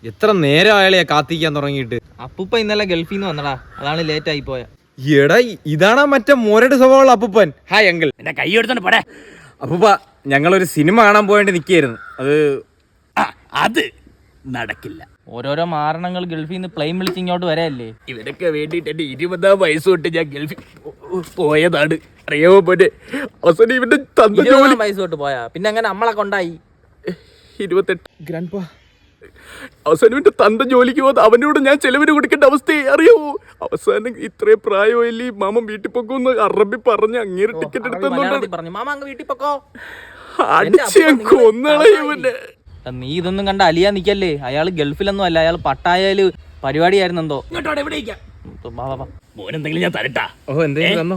എത്ര നേരം അയാളെയാ കാത്തിക്കാൻ തുടങ്ങിയിട്ട്. അപ്പൂപ്പ ഇന്നലെ ഗൾഫിൽ നിന്ന് വന്നടാ, അതാണ് ലേറ്റ് ആയി പോയ. എടാ ഇതാണാ മറ്റേ മോരട് സ്വഭാവമുള്ള അപ്പൂപ്പൻ. Hi uncle. എന്റെ കൈ എടുത്തോണ്ട് പോടേ. അപ്പൂപ്പ ഞങ്ങളൊരു സിനിമ കാണാൻ പോയിട്ട് നിൽക്കായിരുന്നു. അത് നടക്കില്ല. ഓരോരോ മാരണങ്ങൾ ഗൾഫിൽ നിന്ന് പ്ലെയിൻ വിളിച്ച് ഇങ്ങോട്ട് വരല്ലേ. ഇവരൊക്കെ വേണ്ടിട്ട് എന്റെ 20-ാം വയസ്സ് തൊട്ട് ഞാൻ ഗൾഫിൽ പോയതാണ്, അറിയാമോ പോലെ. അവസാനം ഇവന്റെ തന്ന ജോലി പൈസ തൊട്ട് പോയാ പിന്നെ അങ്ങനെ നമ്മളെ കൊണ്ടായി. 28 ഗ്രാൻഡ് പാ. അവസാനം ഇവന്റെ തന്ത ജോലിക്ക് പോകുന്ന അവനോട് ഞാൻ ചെലവിന് കൊടുക്കേണ്ട അവസ്ഥയെ അറിയാവോ. അവസാനം ഇത്രയും പ്രായമല്ലേ മാമൻ വീട്ടിൽ പൊക്കുമെന്ന് അറബി പറഞ്ഞ് അങ്ങേര് ടിക്കറ്റ് എടുത്തു പറഞ്ഞു മാമ അങ്ങ് വീട്ടിൽ പൊക്കോ. കൊന്നളയുമല്ലേ. നീ ഇതൊന്നും കണ്ട അലിയാ നിക്കല്ലേ. അയാള് ഗൾഫിലൊന്നും അല്ല, അയാൾ പട്ടായയില് പരിപാടിയായിരുന്നു എന്തോ. മോനെന്തെങ്കിലും ഞാൻ തരട്ടാ. ഓ എന്തെങ്കിലും തന്നോ?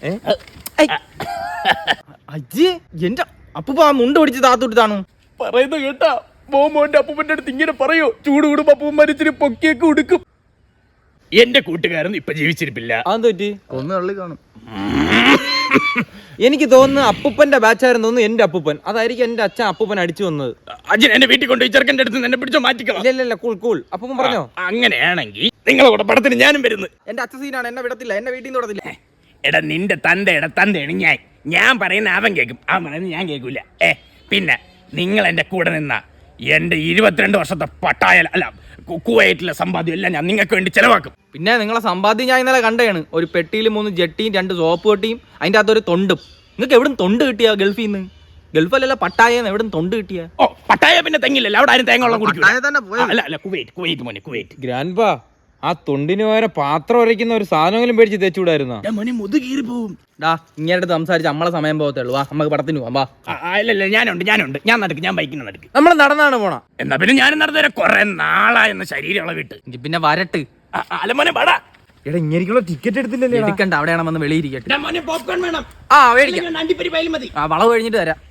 അജ്ജി എന്റെ അപ്പൂപ്പ ആ മുണ്ട് പിടിച്ച് താത്തുട്ടാണു പറയുന്നത് കേട്ടാ. മോന്റെ അപ്പൂപ്പന്റെ അടുത്ത് ഇങ്ങനെ പറയോ, ചൂട് കൂടുമ്പോ അപ്പൂപ്പന്മാർ ഇച്ചിരി പൊക്കിയൊക്കെ ഉടുക്കും. എന്റെ കൂട്ടുകാരൻ ഇപ്പൊ ജീവിച്ചിരിപ്പില്ല. അതെന്ത് പറ്റി? ഒന്ന് തള്ളി കാണും. എനിക്ക് തോന്നുന്നു അപ്പൂപ്പന്റെ ബാച്ചായിരുന്നു തോന്നുന്നു എന്റെ അപ്പൂപ്പൻ. അതായിരിക്കും എന്റെ അച്ഛൻ അപ്പൂപ്പൻ അടിച്ചു വന്നത്. അച്ഛൻ എന്റെ വീട്ടിൽ കൊണ്ടുപോയി ചെറുക്കന്റെ അടുത്ത് എന്നെ പിടിച്ചോ മാറ്റിക്കണം. ഇല്ല കൂൾ അപ്പൂപ്പൻ പറഞ്ഞോ. അങ്ങനെയാണെങ്കിൽ നിങ്ങളെ കൂടെ പടത്തിന് ഞാനും വരുന്നു. എന്റെ അച്ഛൻ സീനാണ്, എന്നെ വിടത്തില്ല, എന്നെ വീട്ടിൽ നിന്ന് വിടത്തില്ല. എടാ നിന്റെ തന്തയാണ് ഞാൻ പറയുന്ന അവൻ കേൾക്കും, അവൻ പറയുന്നത് ഞാൻ കേൾക്കൂല. പിന്നെ നിങ്ങൾ എന്റെ കൂടെ നിന്ന എന്റെ 22 വർഷത്തെ പട്ടായ അല്ല കുവൈറ്റിലെ സമ്പാദ്യം എല്ലാം ഞാൻ നിങ്ങൾക്ക് വേണ്ടി ചെലവാക്കും. പിന്നെ നിങ്ങളെ സമ്പാദ്യം ഞാൻ ഇന്നലെ കണ്ടതാണ്. ഒരു പെട്ടിയിൽ 3 ജെട്ടിയും 2 സോപ്പ് പെട്ടിയും അതിന്റെ അകത്തൊരു തൊണ്ടും. നിങ്ങൾക്ക് എവിടെ തൊണ്ട് കിട്ടിയ ഗൾഫിൽ നിന്ന്? ഗൾഫല്ലല്ല പട്ടായ, എവിടെ തൊണ്ട് കിട്ടിയ? ഓ പട്ടായ പിന്നെ തെങ്ങില്ലല്ലോ, അവിടെ ആരും തേങ്ങ വെള്ളം കുടിക്കും. അല്ല കുവൈറ്റ് മോനെ കുവൈറ്റ്. ഗ്രാൻഡ് പാ, ആ തൊണ്ടിന് പകരം പാത്രം ഉരയ്ക്കുന്ന ഒരു സാധനങ്ങളും മേടിച്ച് തേച്ചുകൂടായിരുന്നോ? മോനെ മുതുകീറി പോവും. ഇങ്ങനെ സംസാരിച്ച് നമ്മളെ സമയം പോകത്തുള്ളൂ. വാ നമുക്ക് പടത്തിന് പോവാം. വാ. അല്ലല്ല ഞാനുണ്ട് ഞാൻ നടക്കും, ഞാൻ ബൈക്കിന് നടക്കും. നമ്മൾ നടന്നാണ് പോണ. എന്നാ പിന്നെ ഞാനും നടന്നേരെ കുറെ നാളായെന്ന ശരീരം ഇളവിട്ട്. പിന്നെ വരട്ട്. അല്ല മോനെ പടാ. എടാ ഇങ്ങനെയുള്ള ടിക്കറ്റ് എടുത്തില്ലല്ലേ? എടുക്കണ്ട, അവിടെയാണ് വന്ന് വെളിയിരിക്കട്ടെ. മോനെ പോപ്കോൺ വേണം. മേടിക്കാം. അണ്ടിപ്പരി പൈൽ മതി. വളവ് കഴിഞ്ഞിട്ട് തരാം.